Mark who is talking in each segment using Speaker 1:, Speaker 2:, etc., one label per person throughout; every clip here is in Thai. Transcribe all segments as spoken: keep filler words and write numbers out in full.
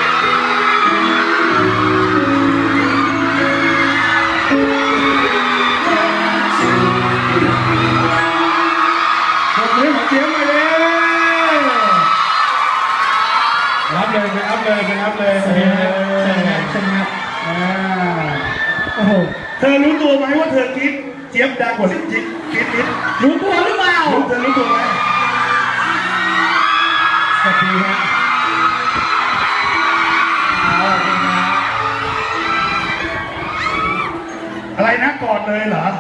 Speaker 1: รับเลยไปอัพเลยไปอัพเลยเชิญครับเชิญครับเชิญครับอ่าโอ้โหเธอรู้ตัวไหมว่าเธอคิดเจี๊ยบดังกว่าที่จิ๊บคิดคิด
Speaker 2: รู้ตัวหรือเปล่า
Speaker 1: รู้เธอรู้ตัวไหมสวัสดีครับอะไรนะกอดเลยเหรอ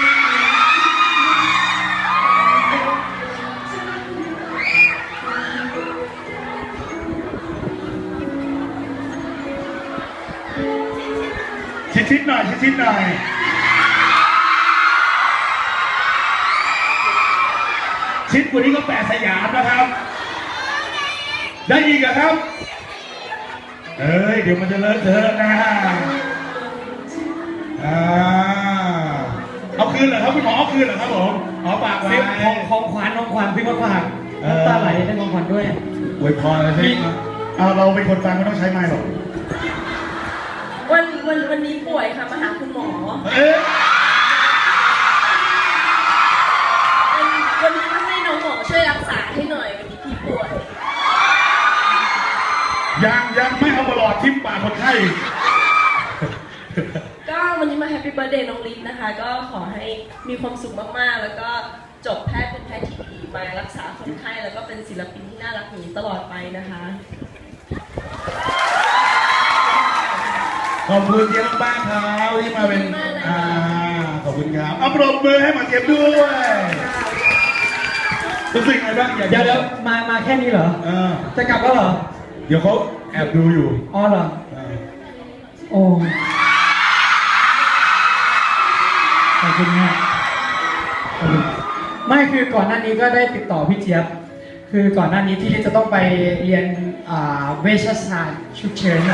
Speaker 1: ชิดๆหน่อยชิดๆหน่อยชิดกว่านี้ก็แปดสยามนะครับได้อีกเหรอครับเอ้ยเดี๋ยวมันจะเลอะเทอะนะอ่าเอาคืนเหรอครับคุณหมอเอาคืนเหรอครับผมอ๋อปากไว้
Speaker 2: ของของขวัญของขวัญพี่มาฝากน้ำตาไหลได้ของขวัญด้วย
Speaker 1: อวยพรเลยสิเอาเราเป็นคนฟังไม่ต้องใช้ไมค์หรอก
Speaker 3: วันวันวันนี้ป่วยค่ะมาหาคุณหมอ
Speaker 1: เอ๊ะ
Speaker 3: วันนี้มาให้น้องหมอช่วยรักษาให้หน่อยวันนี้พี่ป่วย
Speaker 1: ยังยังไม่เอามาหลอดทิ่มปากคนไข้
Speaker 3: ก็วันนี้มาแฮปปี้เบิร์ธเดย์น้องลิศนะคะก็ขอให้มีความสุขมากๆแล้วก็จบแพทย์เป็นแพทย์ที่ดีมารักษาคนไข้แล้วก็เป็นศิลปินที่น่ารักอย่างนี้ตลอดไปนะคะ
Speaker 1: ขอบคุณเจี๊ยบบ้างครับที่มาเป็นอ่าขอบคุณครับเอาปรบมือให้หมาเจี๊ยบด้วยรู้สึกไงบ้างอยาก
Speaker 2: เดี๋ยวเดี๋ยวมามาแค่นี้เหรอ
Speaker 1: เออ
Speaker 2: จะกลับแล้วเหรอ
Speaker 1: เดี๋ยวเขาแอบดูอยู่
Speaker 2: อ๋อเหรอโอ้ขอบคุณมากไม่คือก่อนหน้านี้ก็ได้ติดต่อพี่เจี๊ยบคือก่อนหน้านี้ที่จะต้องไปเรียนเวชศาสตร์ฉุกเฉิน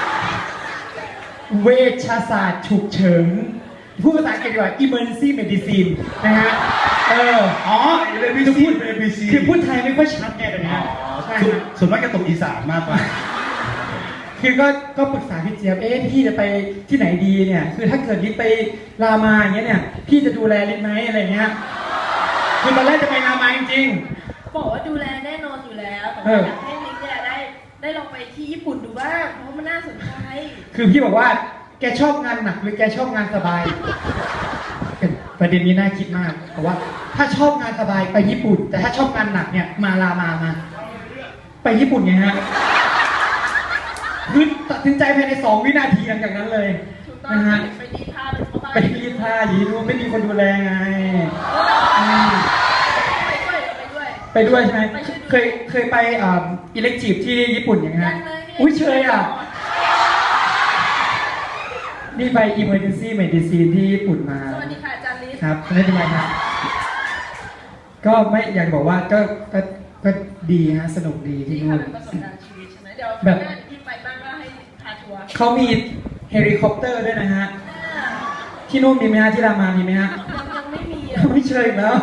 Speaker 2: เวชศาสตร์ฉุกเฉินพูดภาษาอังกฤษดีกว่า emergency medicine นะฮะเออ
Speaker 1: อ๋อเรียนวิธีเป็น เอ บี ซี
Speaker 2: คือพูดไทยไม่ค่อยชัดไงแต่เนี้ย
Speaker 1: ใช่ส่วนมากจะตกอีสานมากกว่า
Speaker 2: คือก็ก็ปรึกษาพี่เจี๊ยบเอ๊ะพี่จะไปที่ไหนดีเนี่ยคือถ้าเกิดลิศไปรามาอย่างเงี้ยเนี่ยพี่จะดูแลลิศไหมอะไรเงี้ยคือตอนแรกจะไปรามาจริง
Speaker 3: ๆบอกว่าดูแลแน่นอนอยู่แล้วแต่อยากให้ลิศเนี่ยได้ได้ลองไปที่ญี่ปุ่นดูบ้างเพราะมันน่าสนใจ
Speaker 2: คือพี่บอกว่าแกชอบงานหนักหรือแกชอบงานสบายเป็นประเด็นนี้น่าคิดมากเพราะว่าถ้าชอบงานสบายไปญี่ปุ่นแต่ถ้าชอบงานหนักเนี่ยมารามามาไปญี่ปุ่นไงฮะคือตัดสินใจภายในสองวินาทีหลังจากนั้นเลย
Speaker 3: นะฮะไปรีดผ้า
Speaker 2: ไปรีดผ้ายีนู้ไม่มีคนดูแลไงไปด้วยใช่ไหมเคยเคยไปอิเล็กทีฟที่ญี่ปุ่นอย่างเงี้ยอุ้ยเชยอ่ะนี่ไป emergency medicine ที่ญี่ปุ่นมา
Speaker 3: สวัสดีค่ะอาจารย์ลิศ
Speaker 2: ครับไม่เป็นไรครับก็ไม่อยากบอกว่าก็ก็ก็ดีฮะสนุกดีที่นู่น
Speaker 3: ประสบการณ์ชีวิตใช่ไหมเดี๋ยวแบบที่ไปบ้างก็ให้พาทัวร์
Speaker 2: เขามีเฮลิคอปเตอร์ด้วยนะฮะที่นู่นมีไหมฮะที่รามามีไหมฮะ
Speaker 3: ยังไม่มี
Speaker 2: ไม่เชยแล้ว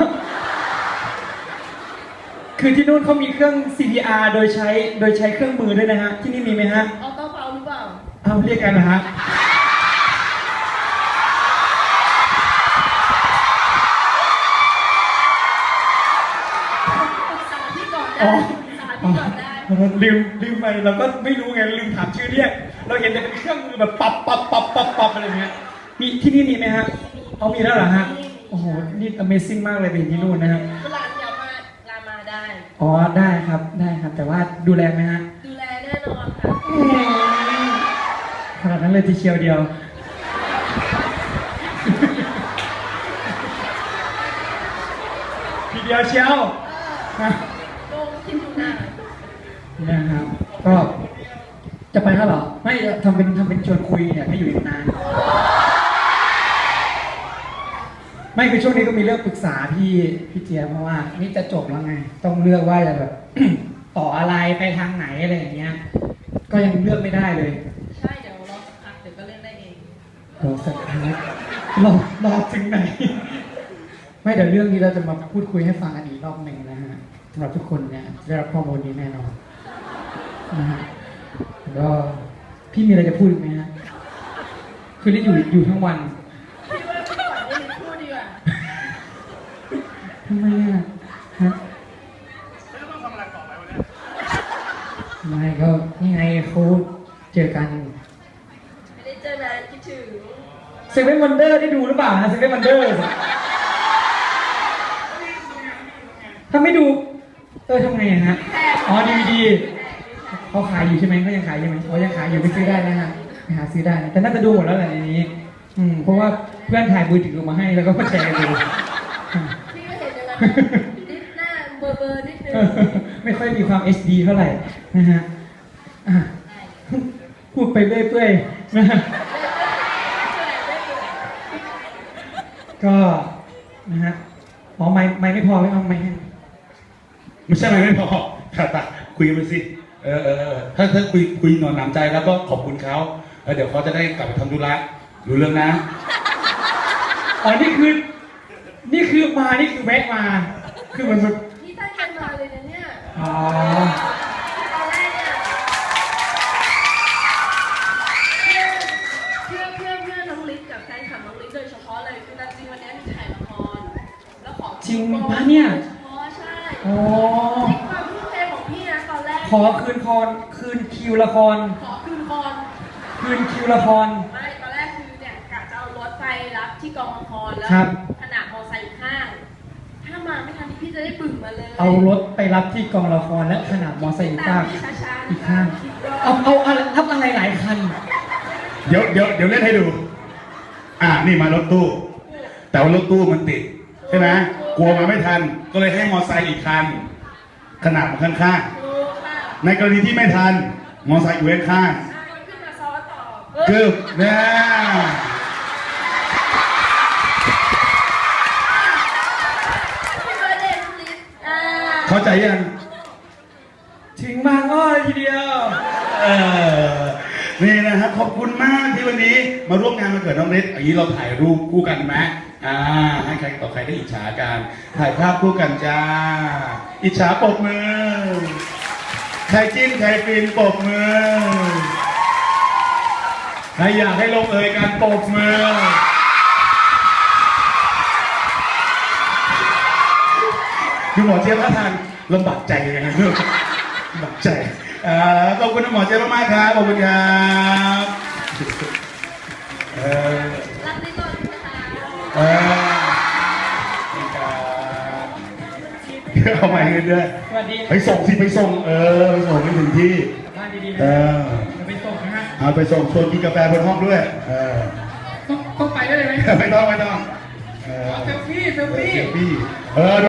Speaker 2: คือที่นู่นเขามีเครื่อง ซี พี อาร์ โดยใช้โดยใช้เครื่องมือด้วยนะฮะที่นี่มีไหมฮะ
Speaker 3: ออโต้เปล่าหรือเปล่า
Speaker 2: เอาเรียกกันนะฮะอ๋อลืมลืมไปเราก็ไม่รู้ไงลืมถามชื่อเรียกเราเห็นแต่เป็นเครื่องมือแบบปับปับปับปับปับอะไรเงี้ยมีที่นี่มีไหมฮะเอามีแล้วเหรอฮะโอ้โหนี่ Amazing มากเลยเป็นที่นู่นนะฮะ
Speaker 3: เวลาเดี๋ยวมาลามาได้
Speaker 2: อ๋อได้ครับได้ครับแต่ว่าดูแลไหมฮะ
Speaker 3: ดูแลแน่นอนค่ะ
Speaker 2: ขนาดนั้นเลยทีเชียวเดียวทีเดียวเชียวนะครับก็จะไปแล้วเหรอไม่ทำเป็นทำเป็นชวนคุยเนี่ยให้อยู่อีกนานไม่คือช่วงนี้ก็มีเรื่องปรึกษาพี่พี่เจี๊ยบเพราะว่านี่จะจบแล้วไงต้องเลือกว่าจะแบบ ต่ออะไรไปทางไหนอะไรอย่างเงี้ยก็ยังเลือกไม่ได้เลย
Speaker 3: ใช่เดี๋ยวรอสักพักเดี๋ยวก็เลือกได้เอง
Speaker 2: รอสักพักรอรอถึงไหนไม่เดี๋ยวเรื่องนี้เราจะมาพูดคุยให้ฟังกันอีกรอบหนึ่งนะฮะสำหรับทุกคนเนี่ยได้รับข้อมูลนี้แน่นอนนะฮะก็พี่มีอะไรจะพูดอีกไหมฮะคือได้อยู่อยู่ทั้งวัน
Speaker 3: พี่ว่าพี่ขวัญให้พูดดีกว่า
Speaker 2: ทำไมอ่ะฮะไม่ก็นี่ไงเขาเจอกัน
Speaker 3: ไม่ได้เจอนานคิดถึง
Speaker 2: เซเว่นวันเดอร์ได้ดูหรือเปล่าฮะเซเว่นวันเดอร์ถ้าไม่ดูเออทำไงอะฮะอ๋อดีวีดีเขาขายอยู่ใช่ไหมเขายังขายอยู่ไหมเขายังขายอยู่ไปซื้อได้นะฮะไปหาซื้อได้นะแต่น่าจะดูหมดแล้วแหละในนี้ อืมเพราะว่าเพื่อนถ่ายมือถือมาให้แล้วก็มาแชร์กันดู
Speaker 3: พี่ก็เห็นอย่างนั้นนิดหน้าเบอร์เบอร์นิดนึง
Speaker 2: ไม่ค่อยมีความ เอช ดี เท่าไหร่นะฮะอ่ะพูดไปเรื่อยๆนะฮะก็นะฮะอ๋อไม่ไม่ไม่พอไม่เอาไม่ให้
Speaker 1: ไม่ใช่ไหมไม่พอค่ะตาคุยกันไปสิเออเออเออถ้าถ้าคุยคุยหนอนหนำใจแล้วก็ขอบคุณเขาแล้วเดี๋ยวเขาจะได้กลับไปทำธุระรู้เรื่องนะ
Speaker 2: อ๋อนี่คือนี่คือมานี่คือแวะมา คือเหมือนแบบ
Speaker 3: นี่ตั้งใจมาเลยนะเนี่ย
Speaker 2: อ๋อ
Speaker 3: ตอนแรกเนี่ยเพื่อเพื่อเพื่อเพื่อน้องลิศกับแฟนคลับน้องลิศโดยเฉพาะเลยคือจริงวันนี้มีถ่ายละครแล้วขอ
Speaker 2: จริงปะเนี่ย
Speaker 3: โดยเฉพาะใช่
Speaker 2: อ๋อ
Speaker 3: นี่ความทุ่มเทของพี่นะตอนแรก
Speaker 2: ขอคืนคอนคืนคิวละคร
Speaker 3: ขอคืนคอน
Speaker 2: คืนคิวละคร
Speaker 3: ไม่ตอนแรกคือเนี่ยกะจะเอารถไปรับที่กองละครแล้ว
Speaker 2: ครับ
Speaker 3: ขนาดมอไซค์ข้าง ถ้ามาไม่ทันพี่จะได้บึ่งมาเลย
Speaker 2: เอารถไปรับที่กองละครและขนาดมอไซค์อีกข้าง
Speaker 3: ตามช้าๆ
Speaker 2: อีกข้าง เอาเอาอะไรทับอะไรหลายคัน
Speaker 1: เดี๋ยวเดี๋ยวเดี๋ยวเล่นให้ดู อ่านี่มารถตู้ แต่ว่ารถตู้มันติดใช่ไหมกลัวมาไม่ทัน ก็เลยให้มอไซค์อีกคัน ขนาดมันข้าง
Speaker 3: ถูกค่ะ
Speaker 1: ๆในกรณีที่ไม่ทัน มอไซค์อยู่ข้าง
Speaker 3: อ่ะขึ้นมาซ้อต่อ
Speaker 1: ๆกึบเนี่ย
Speaker 3: พี่เบอร์เดย์น้องลิศอ่า
Speaker 1: เข้าใจยัง
Speaker 2: ถึงบางอ้อทีเดียว
Speaker 1: เออนี่นะครับขอบคุณมากที่วันนี้มาร่วมงานวันเกิดน้องเล็กอย่างนี้เราถ่ายรูปคู่กันไหมอ่าให้ใครต่อใครได้อิจฉากันถ่ายภาพคู่กันจ้า อิจฉาปรบมือใครจิ้นใครฟินปรบมือใครอยากให้ลงเอยกันปรบมือดูหมอเจี๊ยบท่าทางลำบากใจยังไงลูกลำบากใจอ่าขอบคุณหมอเจี๊ยบมากๆครับขอบคุณครับเออ
Speaker 3: รักลิศก่อนนะคะ
Speaker 1: เออนี่ครับเอาใหม่กันด้วย
Speaker 2: สวัสดี
Speaker 1: ไปส่งสิไปส่งเออไปส่งให้ถึงที่
Speaker 2: กลับบ้านดีๆนะ
Speaker 1: เออ
Speaker 2: จะไปส่งนะฮะ
Speaker 1: เอาไปส่งชวนกินกาแฟบนห้องด้วยเออ
Speaker 2: ต้องต้องไปด้วยเลยไหม
Speaker 1: ไม่ต้องไม่ต้องเออ
Speaker 2: เซลฟี่เซล
Speaker 1: เออ
Speaker 2: ฟี่
Speaker 1: เซลฟี่เออ